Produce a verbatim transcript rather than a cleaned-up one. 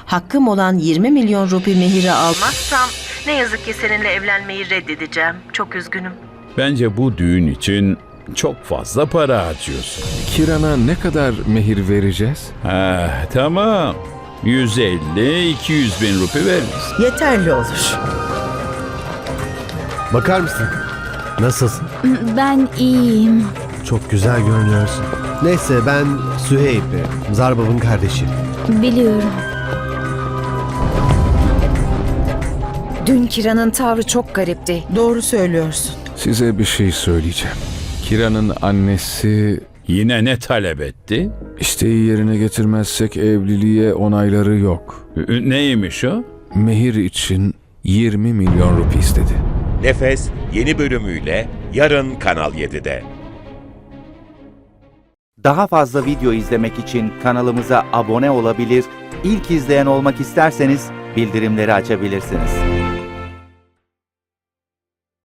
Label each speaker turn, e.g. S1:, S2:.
S1: hakkım olan yirmi milyon rupi mehiri almazsam ne yazık ki seninle evlenmeyi reddedeceğim. Çok üzgünüm.
S2: Bence bu düğün için çok fazla para harcıyorsun.
S3: Kiran'a ne kadar mehir vereceğiz?
S2: Ha, tamam. yüz elli iki yüz bin rupi veririz.
S4: Yeterli olur.
S5: Bakar mısın? Nasılsın?
S6: Ben iyiyim.
S5: Çok güzel görünüyorsun. Neyse ben Süheyb, Zarbab'ın kardeşi.
S6: Biliyorum.
S7: Dün Kira'nın tavrı çok garipti.
S4: Doğru söylüyorsun.
S3: Size bir şey söyleyeceğim. Kiran'ın annesi
S2: Yine ne talep etti?
S3: isteği yerine getirmezsek evliliğe onayları yok.
S2: Ü- Neymiş o?
S3: Mehir için yirmi milyon rupi istedi.
S8: Nefes yeni bölümüyle yarın Kanal yedide.
S9: Daha fazla video izlemek için kanalımıza abone olabilir, ilk izleyen olmak isterseniz bildirimleri açabilirsiniz.